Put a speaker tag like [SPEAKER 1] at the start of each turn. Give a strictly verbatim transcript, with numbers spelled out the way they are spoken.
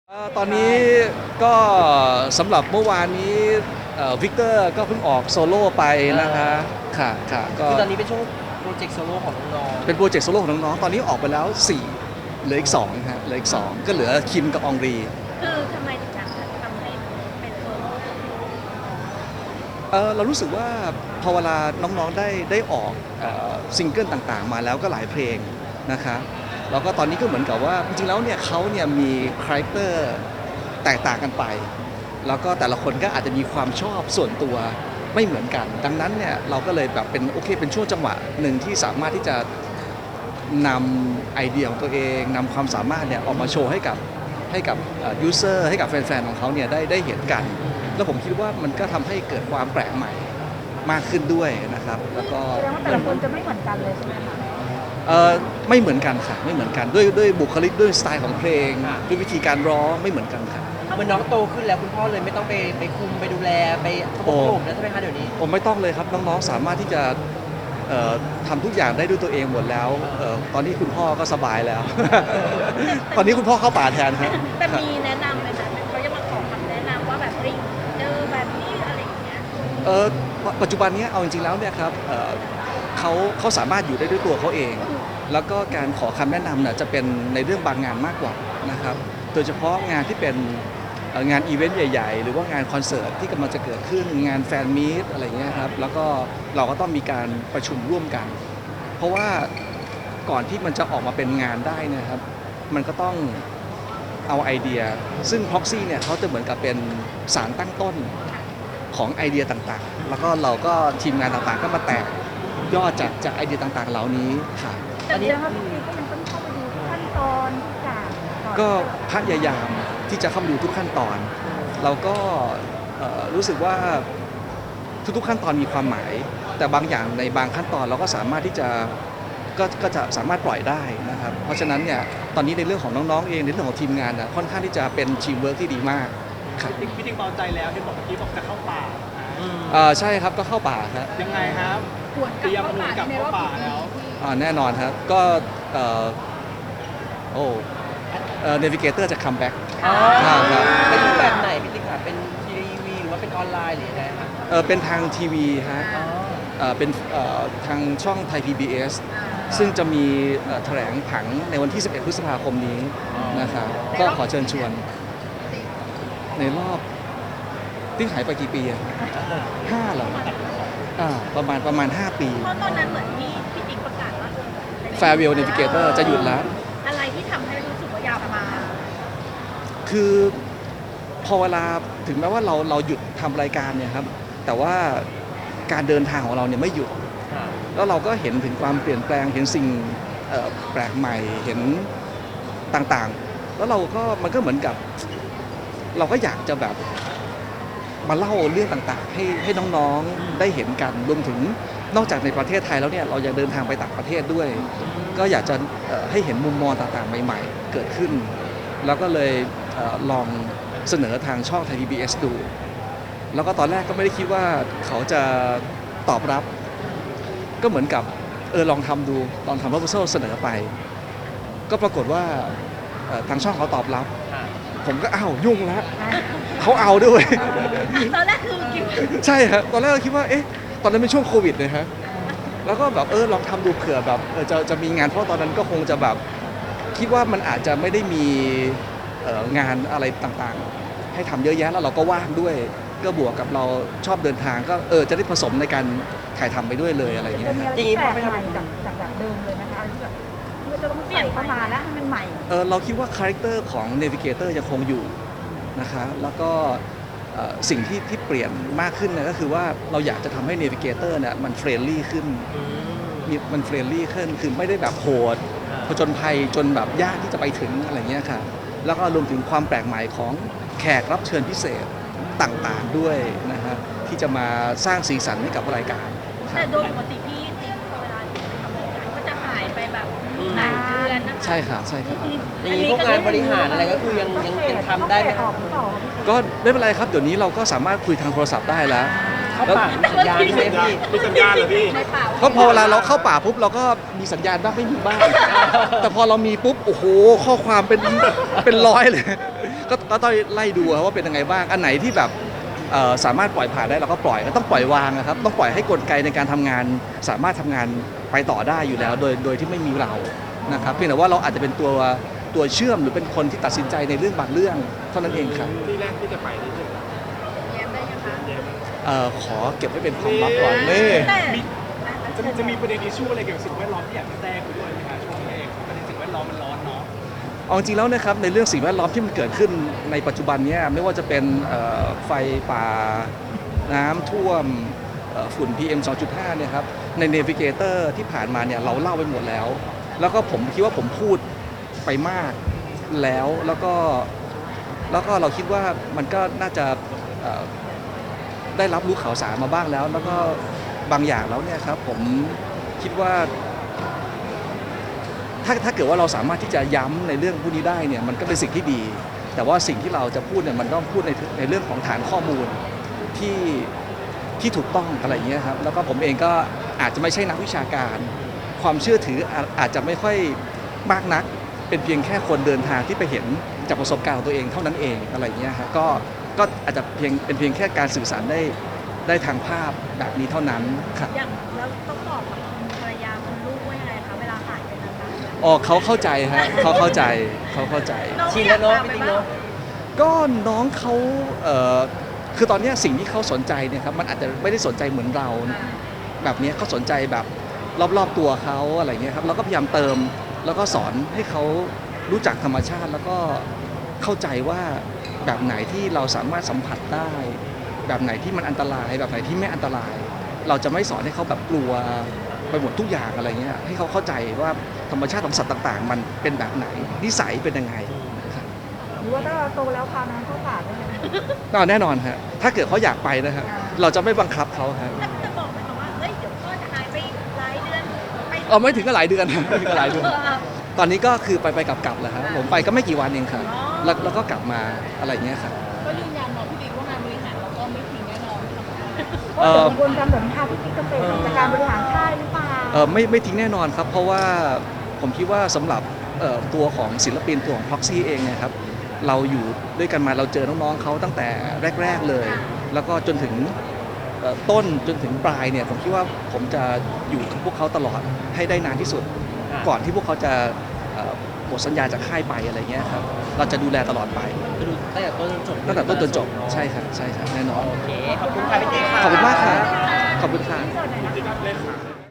[SPEAKER 1] เอ่อตอนนี้ก็สำหรับเมื่อวานนี้วิกเตอร์ก็เพิ่งออกโซโล่ไปนะคะค่ะค่ะก็
[SPEAKER 2] คือตอนนี้เป็นช่วงโปรเจกต์โซโล่ของน้อง
[SPEAKER 1] เป็นโปรเจกต์โซโล่ของน้องๆตอนนี้ออกไปแล้วสี่เหลืออีกสองฮะเหลืออีกสองก็เหลือคิมกับอองรี
[SPEAKER 3] คือทำไมถึงอยากจะทำให้เป็นโซโล่
[SPEAKER 1] เออเรารู้สึกว่าพอเวลาน้องๆได้ได้ออกเอ่อซิงเกิลต่างๆ มาแล้วก็หลายเพลงนะคะแล้วก็ตอนนี้ก็เหมือนกับว่าจริงๆแล้วเนี่ยเขาเนี่ยมีคาแรคเตอร์แตกต่างกันไป แล้วก็แต่ละคนก็อาจจะมีความชอบส่วนตัวไม่เหมือนกัน ดังนั้นเนี่ยเราก็เลยแบบเป็นโอเคเป็นช่วงจังหวะหนึ่งที่สามารถที่จะนำไอเดียของตัวเองนำความสามารถเนี่ยออกมาโชว์ให้กับให้กับยูเซอร์ให้กับแฟนๆของเขาเนี่ยได้ได้เห็นกัน แล้วผมคิดว่ามันก็ทำให้เกิดความแปลกใหม่มากขึ้นด้วยนะครับแล้วก็
[SPEAKER 3] แสดงว่าแต่ละคนจะไม่เหมือนกันเลยใช่ไหมคะ
[SPEAKER 1] เอ่อไม่เหมือนกันค่ะไม่เหมือนกันด้วยด้วยบุคลิกด้วยสไตล์ของเพลงด้วยวิธีการร้องไม่เหมือนกันค่ะ
[SPEAKER 2] เหมือนน้องโตขึ้นแล้วคุณพ่อเลยไม่ต้องไปไปคุมไปดูแลไปประกบผมแล้วใช่ไหมคะเดี๋ยวนี้
[SPEAKER 1] ผมไม่ต้องเลยครับน้องๆสามารถที่จะเอ่อทำทุกอย่างได้ด้วยตัวเองหมดแล้วเอ่อตอนนี้คุณพ่อก็สบายแล้ว ตอนนี้คุณพ่อเข้าป่าแทนครับ
[SPEAKER 3] แต่มีแนะนำไหมคะเขาจะมาขอคำแนะนำว่าแบบเฮ้ยเจอแบบนี้อะไรอย่างเงี้ย
[SPEAKER 1] เออปัจจุบันนี้เอาจริงๆแล้วเนี่ยครับเอ่อเขาเขาสามารถอยู่ได้ด้วยตัวเขาเอง แล้วก็การขอคำแนะนำเนี่ยจะเป็นในเรื่องบางงานมากกว่านะครับโดยเฉพาะงานที่เป็นเอ่องานอีเวนต์ใหญ่ๆ หรือว่างานคอนเสิร์ตที่กำลังจะเกิดขึ้นงานแฟนมีตอะไรเงี้ยครับแล้วก็เราก็ต้องมีการประชุมร่วมกัน เพราะว่าก่อนที่มันจะออกมาเป็นงานได้เนะครับมันก็ต้องเอาไอเดีย ซึ่ง Proxy เนี่ยเขาจะเหมือนกับเป็นสารตั้งต้นของไอเดียต่างๆ แล้วก็เราก็ทีมงานต่างๆ ก็มาแตกยอดจากจากไอเดียต่างๆ เหล่านี้ค่ะ
[SPEAKER 3] แต่เดี๋ยวพวกนี้ก็ยังต้องเข้าไปดูขั้นตอนทุกอย่างอน
[SPEAKER 1] ก็พยายามที่จะเข้ามาดูทุกขั้นตอน เราก็เอ่อรู้สึกว่าทุกๆขั้นตอนมีความหมาย แต่บางอย่างในบางขั้นตอนเราก็สามารถที่จะก็ก็จะสามารถปล่อยได้นะครับ เพราะฉะนั้นเนี่ยตอนนี้ในเรื่องของน้องๆเองในเรื่องของทีมงานนะค่อนข้างที่จะเป็นทีมเวิร์กที่ดีมากครับ
[SPEAKER 4] พี่ติ๊กเบาใจแล้วที่บอกเมื่อกี้บอกจะเข้าป่า
[SPEAKER 1] เอ่อใช่ครับก็เข้าป่าครับ
[SPEAKER 4] ยังไงครับเตรียมหนุนกลับเข้าป่าแล้ว
[SPEAKER 1] อ่าแน่นอนครับก็เอ่อโอ้เอ่อเนวิเกเตอร์จะคัมแบ็ก
[SPEAKER 2] อ๋อ
[SPEAKER 1] ครับ
[SPEAKER 2] เป็นรูปแบบไหนพี่ติ๊กค่ะเป็นทีวีหรือว่าเป็นออนไลน์หรือยังไงคะ
[SPEAKER 1] เออเป็นทางทีวีฮะ
[SPEAKER 2] อ๋อ
[SPEAKER 1] เอ่อเป็นเอ่อทางช่องไทย พี บี เอส ซึ่งจะมีเอ่อแถลงผังในวันที่ สิบเอ็ด พฤษภาคมนี้นะครับก็ขอเชิญชวน ในรอบที่หายไปกี่ปีอะห้าเหรออ่าประมาณประมาณ ห้า ปี
[SPEAKER 3] เพราะตอนนั้นเหมือนที่พี่ติ๊กประกาศว่าเออ
[SPEAKER 1] Farewell Navigator จะหยุดแล้ว
[SPEAKER 3] อะไรที่ทำให้รู้สึกว่าอยากมา
[SPEAKER 1] คือพอเวลาถึงแม้ว่าเราเราหยุดทำรายการเนี่ยครับแต่ว่าการเดินทางของเราเนี่ยไม่หยุด แล้วเราก็เห็นถึงความเปลี่ยนแปลงเห็นสิ่งเอ่อแปลกใหม่เห็นต่างๆ แล้วเราก็มันก็เหมือนกับ เราก็อยากจะแบบมาเล่าเรื่องต่างๆ ให้ให้น้องๆได้เห็นกันรวมถึงนอกจากในประเทศไทยแล้วเนี่ยเรายังเดินทางไปต่างประเทศด้วย ก็อยากจะเอ่อให้เห็นมุมมองต่างๆ ใหม่ๆ เกิดขึ้น แล้วก็เลยเอ่อลองเสนอทางช่องไทย พี บี เอส ดู แล้วก็ตอนแรกก็ไม่ได้คิดว่าเขาจะตอบรับ ก็เหมือนกับเออลองทำดูลองทำ proposal เสนอไป ก็ปรากฏว่าเอ่อทางช่องเขาตอบรับ ผมก็อ้าวยุ่งแล้วเขาเอาด้วย
[SPEAKER 3] ตอนแรกคือคิด
[SPEAKER 1] ใช่ครับตอนแรกเราคิดว่าเอ๊ะตอนนั้นเป็นช่วงโควิดเลยฮะแล้วก็แบบเออลองทำดูเผื่อแบบเออจะจะมีงานเพราะตอนนั้นก็คงจะแบบคิดว่ามันอาจจะไม่ได้มีเอ่องานอะไรต่างๆ ให้ทำเยอะแยะแล้วเราก็ว่างด้วย ก็บวกกับเราชอบเดินทางก็เออจะได้ผสมในการถ่ายทำไปด้วยเลยอะไรอย่างเงี้
[SPEAKER 3] จะ
[SPEAKER 1] ย
[SPEAKER 3] มี
[SPEAKER 1] ฮะ
[SPEAKER 3] อะไรที่แปลกใหม่จากจากแบบเดิมเลยนะคะที่แบบที่จะต้องใส่เข้ามาแล้วให้มันใหม่
[SPEAKER 1] เออเราคิดว่าคาแรคเตอร์ของ Navigator ยังคงอยู่นะคะแล้วก็เอ่อสิ่งที่ที่เปลี่ยนมากขึ้นเนยก็คือว่าเราอยากจะทำให้ Navigator เนี่ยมันเฟรนลี่ขึ้นมีมันเฟรนลี่ขึ้นคือไม่ได้แบบโหดผจญภัยจนแบบยากที่จะไปถึงอะไรเงี้ยค่ะแล้วก็รวมถึงความแปลกใหม่ของแขกรับเชิญพิเศษต่างๆด้วยนะฮะที่จะมาสร้างสีสันให้กับรายการค
[SPEAKER 3] แต่
[SPEAKER 1] รับ
[SPEAKER 3] โดยปกติพี่ติ๊กเวลาอยู่ทำรายการก็จะหายไปแบบหลายเดือนนะคะ
[SPEAKER 1] ใช่ค่ะใช่ครับ
[SPEAKER 2] อย่างนี้พวกงานบริหารอะไรก็คือยังยังยังทำได้ไหม
[SPEAKER 3] ออกหรือเปล่า
[SPEAKER 1] ก็ไม่เป็นไรครับเดี๋ยวนี้เราก็สามารถคุยทางโทรศัพท์ได้แล้ว
[SPEAKER 2] เข้าป่ามีสัญญาณใช่ไหมพี่
[SPEAKER 4] มีสัญญาณเหรอพี่
[SPEAKER 3] ในป่า
[SPEAKER 1] ก็พอเวลาเราเข้าป่าปุ๊บเราก็มีสัญญาณบ้างไม่มีบ้าง แต่พอเรามีปุ๊บโอ้โหข้อความเป็นเป็นร้อยเลย ก็ก็ก็ต้องไล่ดูครับว่าเป็นยังไงบ้างอันไหนที่แบบเอ่อสามารถปล่อยผ่านได้เราก็ปล่อยก็ต้องปล่อยวางนะครับต้องปล่อยให้กลไกในการทำงาน สามารถทำงานไปต่อได้อยู่แล้ว โดยโดยที่ไม่มีเรานะครับเพียงแต่ว่าเราอาจจะเป็นตัวตัวเชื่อมหรือเป็นคนที่ตัดสินใจในเรื่องบางเรื่องเท่านั้นเองครับ
[SPEAKER 4] ที่แรกที่จะไปนี่คือ
[SPEAKER 3] แย้มได้ยังคะ
[SPEAKER 1] เอ่อขอเก็บไว้เป็นความลับก่อนนี่
[SPEAKER 3] แต่
[SPEAKER 4] มีจะมีจะมีประเด็นอิชชูอะไรเกี่ยวกับสิ่งแวดล้อมที่อยากจะแทรกไปด้วยไหมคะช่วงนี้เองประเด็นสิ่งแวดล้อมมันร้อนเนาะ
[SPEAKER 1] เอาจริงแล้วนะครับในเรื่องสิ่งแวดล้อมที่มันเกิดขึ้นในปัจจุบันเนี้ไม่ว่าจะเป็นเอ่อไฟป่าน้ำท่วมเอ่อฝุ่น พี เอ็ม สองจุดห้า เนี่ยครับใน Navigator ที่ผ่านมาเนี่ยเราเล่าไปหมดแล้ว แล้วก็ผมคิดว่าผมพูดไปมากแล้วแล้วก็แล้วก็เราคิดว่ามันก็น่าจะเอ่อได้รับรู้ข่าวสารมาบ้างแล้ว แล้วก็บางอย่างแล้วเนี่ยครับผมคิดว่า ถ้าถ้าเกิดว่าเราสามารถที่จะย้ำในเรื่องพวกนี้ได้เนี่ยมันก็เป็นสิ่งที่ดี แต่ว่าสิ่งที่เราจะพูดเนี่ยมันต้องพูดในในเรื่องของฐานข้อมูลที่ที่ถูกต้องอะไรอย่างเงี้ยครับแล้วก็ผมเองก็อาจจะไม่ใช่นักวิชาการ ความเชื่อถืออาอาจจะไม่ค่อยมากนัก เป็นเพียงแค่คนเดินทางที่ไปเห็นจากประสบการณ์ของตัวเองเท่านั้นเองอะไรอย่างเงี้ยครับก็ก็อาจจะเพียงเป็นเพียงแค่การสื่อสารได้ได้ทางภาพแบบนี้เท่านั้นครับ
[SPEAKER 3] อย่างแล้วต้องบอกกับคุณภรรยาคุณลูกว่ายังไงคะเวลาหายไปนานๆ
[SPEAKER 1] อ๋อเขาเข้าใจฮะเขาเข้าใจเขาเข้าใจ
[SPEAKER 3] น้อง
[SPEAKER 2] ชิน
[SPEAKER 3] ไม่อ
[SPEAKER 2] แล้
[SPEAKER 3] ยาว ก
[SPEAKER 2] เนาะ
[SPEAKER 3] พาไป
[SPEAKER 2] จริง
[SPEAKER 3] บ้าง
[SPEAKER 2] ๆเนาะ
[SPEAKER 1] ก็น้องเขาเอ่อคือตอนเนี้ยสิ่งที่เขาสนใจเนี่ยครับมันอาจจะไม่ได้สนใจเหมือนเรา แบบเนี้ยเขาสนใจแบบรอบๆตัวเขาอะไรเงี้ยครับเราก็พยายามเติมแล้วก็สอนให้เขารู้จักธรรมชาติ แล้วก็เข้าใจว่าแบบไหนที่เราสามารถสัมผัสได้ แบบไหนที่มันอันตราย แบบไหนที่ไม่อันตราย เราจะไม่สอนให้เขาแบบกลัวไปหมดทุกอย่างอะไรเงี้ยให้เขาเข้าใจว่าธรรมชาติของสัตว์ต่างๆ มันเป็นแบบไหนนิสัยเป็นยังไงครับ
[SPEAKER 5] หรือว่าถ้าเราโตแล้วพาน้องเข้าป่าได้ไหม
[SPEAKER 1] ก็แน่นอนฮะถ้าเกิดเขาอยากไปนะฮะเราจะไม่บังคับเขาฮะ
[SPEAKER 3] แต่จะบอกไหมคะว่าเฮ้ยเดี๋ยวพ่อจะหายไปหลายเดือนไป
[SPEAKER 1] เออไม่ถึงก็หลายเดือน ไม่ถึงก็หลายเดือน
[SPEAKER 3] เออ
[SPEAKER 1] ตอนนี้ก็คือไปไปกลับกลับๆแหละครับผมไปก็ไม่กี่วันเองครับ
[SPEAKER 3] อ๋อ
[SPEAKER 1] แล้วแล้วก็กลับมาอะไรอย่างเงี้ยครับ
[SPEAKER 5] ก็ยืนยันเนาะพี่ติ๊กว่างานบริหารเราก็ไม่ทิ้งแน่นอนไม่ทำงาน
[SPEAKER 1] เอ่อ
[SPEAKER 5] เพราะเดี๋ยวคนจำแบบพาพี่ติ๊กเกษตรจากการบริหารค่ายหรือเปล่า
[SPEAKER 1] เออไม่ไม่ทิ้งแน่นอนครับ เพราะว่าผมคิดว่าสำหรับเอ่อตัวของศิลปินตัวของ Proxy เองเนะครับเราอยู่ด้วยกันมาเราเจอน้องๆเขาตั้งแต่แรก ๆเลย แล้วก็จนถึงเอ่อต้นจนถึงปลายเนี่ยผมคิดว่าผมจะอยู่กับพวกเขาตลอดให้ได้นานที่สุด ก่อนที่พวกเขาจะเอ่อหมดสัญญาจากค่ายไปอะไรเงี้ยครับเราจะดูแลตลอดไป
[SPEAKER 2] ก็ดูตั้งแต่ต้นจนจบ
[SPEAKER 1] ตั้งแต่ต้นจนจบใช่ครับใช่ครับแน่นอน
[SPEAKER 2] โอเค ขอบคุณค่ะพี่ติ๊กค่ะ
[SPEAKER 1] ขอบคุณมากครับขอบคุณค่ะ
[SPEAKER 4] ที่รับเลขา